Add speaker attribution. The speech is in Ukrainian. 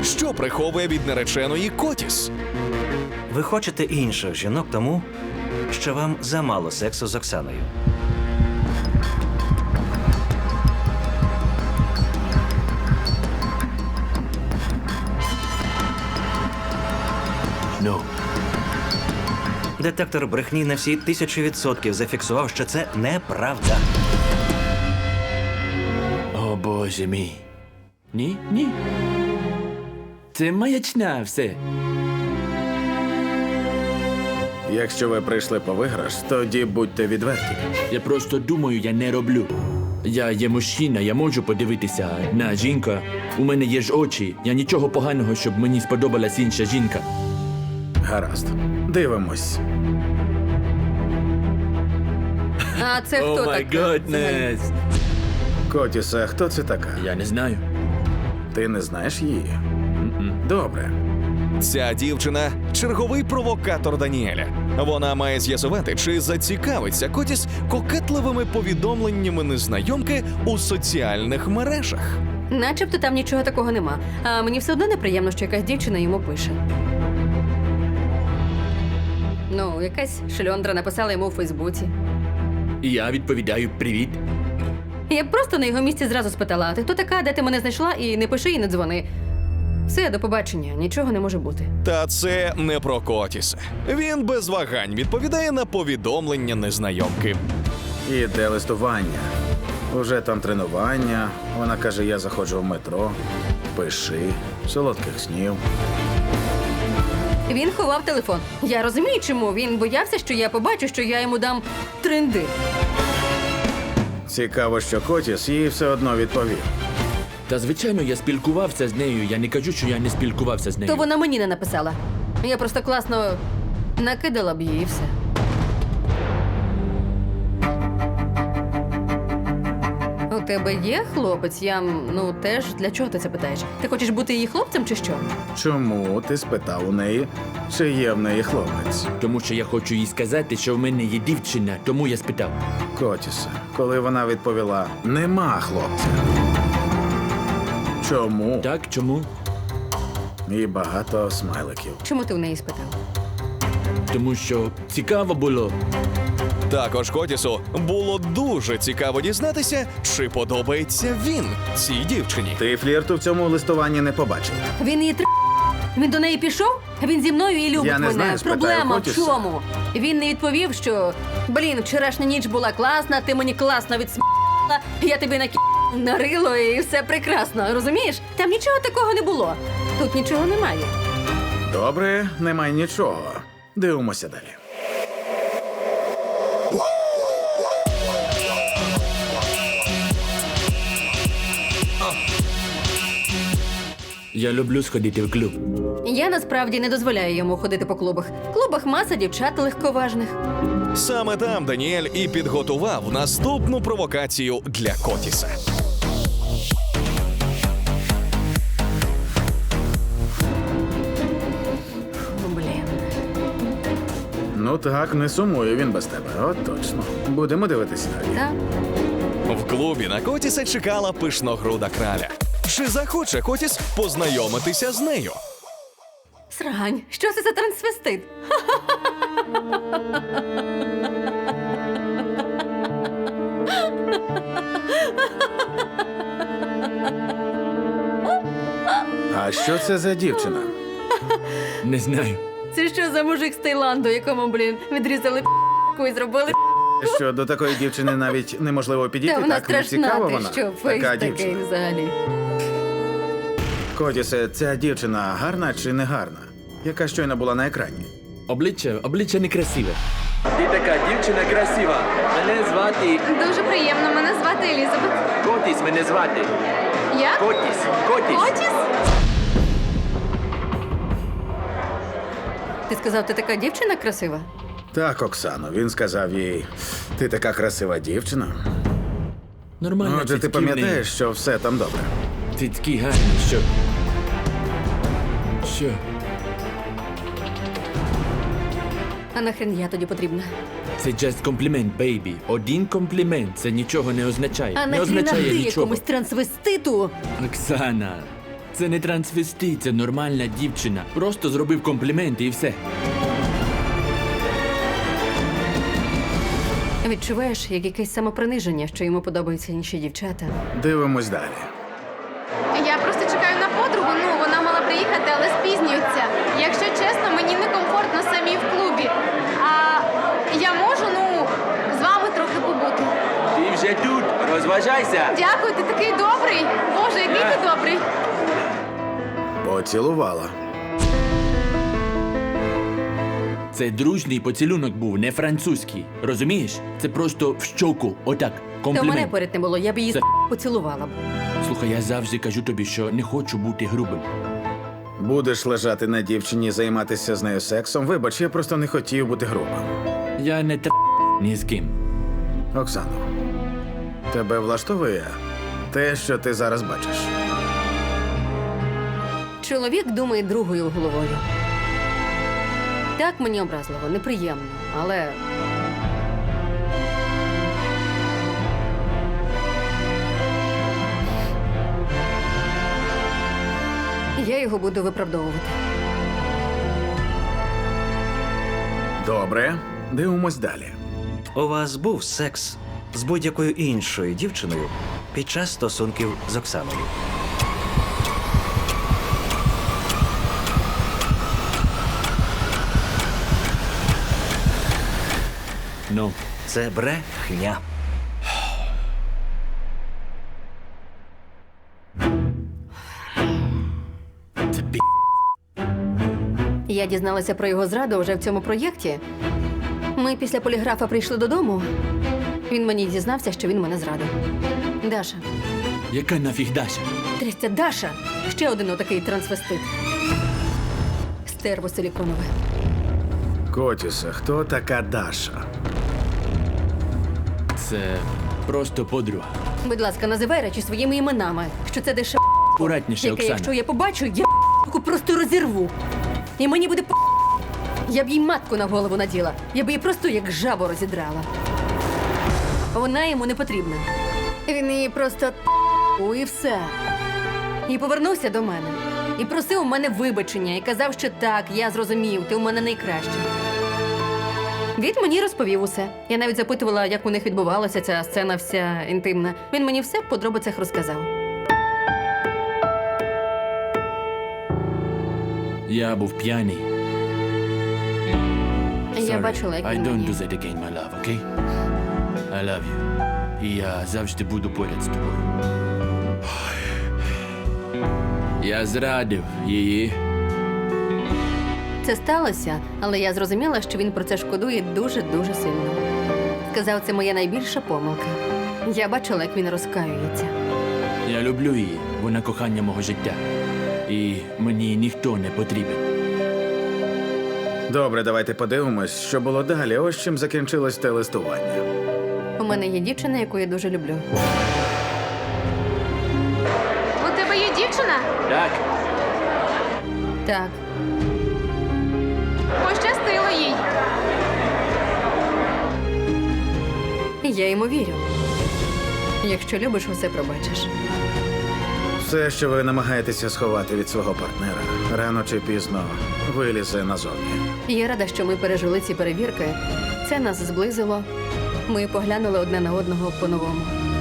Speaker 1: Що приховує від нареченої Котіс?
Speaker 2: Ви хочете інших жінок тому, що вам замало сексу з Оксаною.
Speaker 3: No.
Speaker 2: Детектор брехні на всі 1000% зафіксував, що це неправда.
Speaker 3: О, Боже мій. Ні, ні. Це маячня все.
Speaker 4: Якщо ви прийшли по виграш, тоді будьте відверті.
Speaker 3: Я просто думаю, я не роблю. Я є мужчина, я можу подивитися на жінка. У мене є ж очі. Я нічого поганого, щоб мені сподобалась інша жінка.
Speaker 4: Гаразд. Дивимось.
Speaker 5: А це хто
Speaker 3: О май
Speaker 5: така?
Speaker 3: годнес.
Speaker 4: Котісе, хто це така?
Speaker 3: Я не знаю.
Speaker 4: Ти не знаєш її? Добре.
Speaker 1: Ця дівчина – черговий провокатор Даніеля. Вона має з'ясувати, чи зацікавиться Котіс кокетливими повідомленнями незнайомки у соціальних мережах.
Speaker 5: Начебто там нічого такого нема. А мені все одно неприємно, що якась дівчина йому пише. Ну, якась шльондра написала йому у Фейсбуці.
Speaker 3: І я відповідаю привіт.
Speaker 5: Я б просто на його місці зразу спитала: а ти хто така, де ти мене знайшла, і не пиши і не дзвони. Все, до побачення, нічого не може бути.
Speaker 1: Та це не про Котіса. Він без вагань відповідає на повідомлення незнайомки.
Speaker 4: Іде листування. Уже там тренування. Вона каже, я заходжу в метро. Пиши. Солодких снів.
Speaker 5: Він ховав телефон. Я розумію, чому. Він боявся, що я побачу, що я йому дам тренди.
Speaker 4: Цікаво, що Котіс їй все одно відповів.
Speaker 3: Та звичайно, я спілкувався з нею. Я не кажу, що я не спілкувався з нею.
Speaker 5: То вона мені не написала. Я просто класно накидала б їй і все. У тебе є хлопець? Я, теж. Для чого ти це питаєш? Ти хочеш бути її хлопцем чи що?
Speaker 4: Чому ти спитав у неї, чи є в неї хлопець?
Speaker 3: Тому що я хочу їй сказати, що в мене є дівчина, тому я спитав.
Speaker 4: Котісе, коли вона відповіла, нема хлопця. Чому?
Speaker 3: Так, чому?
Speaker 4: І багато смайликів.
Speaker 5: Чому ти в неї спитав?
Speaker 3: Тому що цікаво було.
Speaker 1: Також Котісу було дуже цікаво дізнатися, чи подобається він цій дівчині.
Speaker 4: Ти флірту в цьому листуванні не побачив.
Speaker 5: Він її Він до неї пішов? Він зі мною і любить
Speaker 4: Я не
Speaker 5: мене.
Speaker 4: знаю, спитаю
Speaker 5: Проблема в
Speaker 4: Котіса.
Speaker 5: чому? Він не відповів, що вчорашня ніч була класна, ти мені класно відсмала, я тобі нарило і все прекрасно, розумієш? Там нічого такого не було. Тут нічого немає.
Speaker 4: Добре, немає нічого. Дивимося далі.
Speaker 3: Я люблю сходити в клуб.
Speaker 5: Я насправді не дозволяю йому ходити по клубах. В клубах маса дівчат легковажних.
Speaker 1: Саме там Даніель і підготував наступну провокацію для Котіса.
Speaker 5: Блін.
Speaker 4: Ну так, не сумує він без тебе. От точно. Будемо дивитися далі.
Speaker 5: Так?
Speaker 1: В клубі на Котіса чекала пишногруда краля. Чи захоче Котіс познайомитися з нею?
Speaker 5: Срань, що це за трансвестит?
Speaker 4: А що це за дівчина?
Speaker 3: Не знаю.
Speaker 5: Це що за мужик з Таїланду, якому, відрізали п***ку і зробили
Speaker 4: Що до такої дівчини навіть неможливо підійти,
Speaker 5: Та вона
Speaker 4: так не
Speaker 5: страшна,
Speaker 4: цікава
Speaker 5: ти
Speaker 4: вона.
Speaker 5: що, фейс
Speaker 4: Така
Speaker 5: такий
Speaker 4: дівчина.
Speaker 5: взагалі.
Speaker 4: Котісе, ця дівчина гарна чи не гарна? Яка щойно була на екрані?
Speaker 3: Обличчя некрасиве. Ти така дівчина красива. Мене звати
Speaker 6: Дуже приємно. Мене звати Елізабет.
Speaker 3: Котіс, мене звати.
Speaker 6: Я?
Speaker 3: Котіс.
Speaker 6: Отіс?
Speaker 5: Ти сказав, ти така дівчина красива?
Speaker 4: Так, Оксано, він сказав їй, ти така красива дівчина.
Speaker 3: Нормально.
Speaker 4: Отже, ти пам'ятаєш, що все там добре.
Speaker 3: Цицьки гарні, що? Що?
Speaker 5: А нахрен я тоді потрібна?
Speaker 3: Це just комплімент, бейбі. Один комплімент. Це нічого не означає.
Speaker 5: А
Speaker 3: не
Speaker 5: нахрена
Speaker 3: означає
Speaker 5: ти
Speaker 3: нічого.
Speaker 5: якомусь трансвеститу?
Speaker 3: Оксана, Це не трансвестит, це нормальна дівчина. Просто зробив компліменти і все.
Speaker 5: Відчуваєш, як якесь самоприниження, що йому подобаються інші дівчата.
Speaker 4: Дивимось далі.
Speaker 6: Я просто чекаю на подругу. Ну, вона мала приїхати, але спізнюється. Якщо чесно, мені некомфортно самій в клубі. А я можу, ну, з вами трохи побути.
Speaker 3: Ти вже тут, розважайся.
Speaker 6: Дякую, ти такий добрий. Боже, який ти добрий.
Speaker 4: Поцілувала.
Speaker 3: Це дружній поцілунок був, не французький. Розумієш? Це просто в щоку, отак,
Speaker 5: Та мене
Speaker 3: комплімент.
Speaker 5: поряд не було, я б її
Speaker 3: Це-
Speaker 5: поцілувала б.
Speaker 3: Слухай, я завжди кажу тобі, що не хочу бути грубим.
Speaker 4: Будеш лежати на дівчині і займатися з нею сексом. Вибач, я просто не хотів бути грубим.
Speaker 3: Я не ні з ким.
Speaker 4: Оксано, тебе влаштовує те, що ти зараз бачиш?
Speaker 5: Чоловік думає другою головою. Так мені образливо, неприємно, але. Я його буду виправдовувати.
Speaker 4: Добре, дивимось далі.
Speaker 2: У вас був секс з будь-якою іншою дівчиною під час стосунків з Оксаною?
Speaker 3: Ну,
Speaker 2: Це брехня.
Speaker 3: це пі.
Speaker 5: Я дізналася про його зраду вже в цьому проєкті. Ми після поліграфа прийшли додому. Він мені дізнався, що він мене зрадив. Даша.
Speaker 3: Яка нафіг Даша?
Speaker 5: Трястя, Даша! Ще один отакий трансвестит. Стерво силіконове.
Speaker 4: Котісе, хто така Даша?
Speaker 3: Це просто подруга.
Speaker 5: Будь ласка, називай речі своїми іменами, що це дешев,
Speaker 3: Акуратніше,
Speaker 5: яке,
Speaker 3: Оксана.
Speaker 5: якщо я побачу, я просто розірву. І мені буде я б їй матку на голову наділа. Я б її просто як жабу розідрала. Вона йому не потрібна. Він її просто і все. І повернувся до мене. І просив у мене вибачення. І казав, що так, я зрозумів, ти у мене найкраща. Він мені розповів усе. Я навіть запитувала, як у них відбувалася ця сцена вся інтимна. Він мені все в подробицях розказав.
Speaker 3: Я був п'яний.
Speaker 5: Я
Speaker 3: Sorry.
Speaker 5: бачила, як
Speaker 3: I
Speaker 5: він
Speaker 3: don't
Speaker 5: мені.
Speaker 3: do that again, my love, okay? I love you. І я завжди буду поряд з тобою. Я зрадив її.
Speaker 5: Це сталося, але я зрозуміла, що він про це шкодує дуже-дуже сильно. Сказав, це моя найбільша помилка. Я бачила, як він розкаюється.
Speaker 3: Я люблю її. Вона кохання мого життя. І мені ніхто не потрібен.
Speaker 4: Добре, давайте подивимось, що було далі. Ось чим закінчилось те листування.
Speaker 5: У мене є дівчина, яку я дуже люблю.
Speaker 6: У тебе є дівчина?
Speaker 3: Так.
Speaker 5: Так,
Speaker 6: Пощастило їй.
Speaker 5: я йому вірю. Якщо любиш, усе пробачиш.
Speaker 4: Все, що ви намагаєтеся сховати від свого партнера, рано чи пізно вилізе назовні.
Speaker 5: Я рада, що ми пережили ці перевірки. Це нас зблизило. Ми поглянули одне на одного по-новому.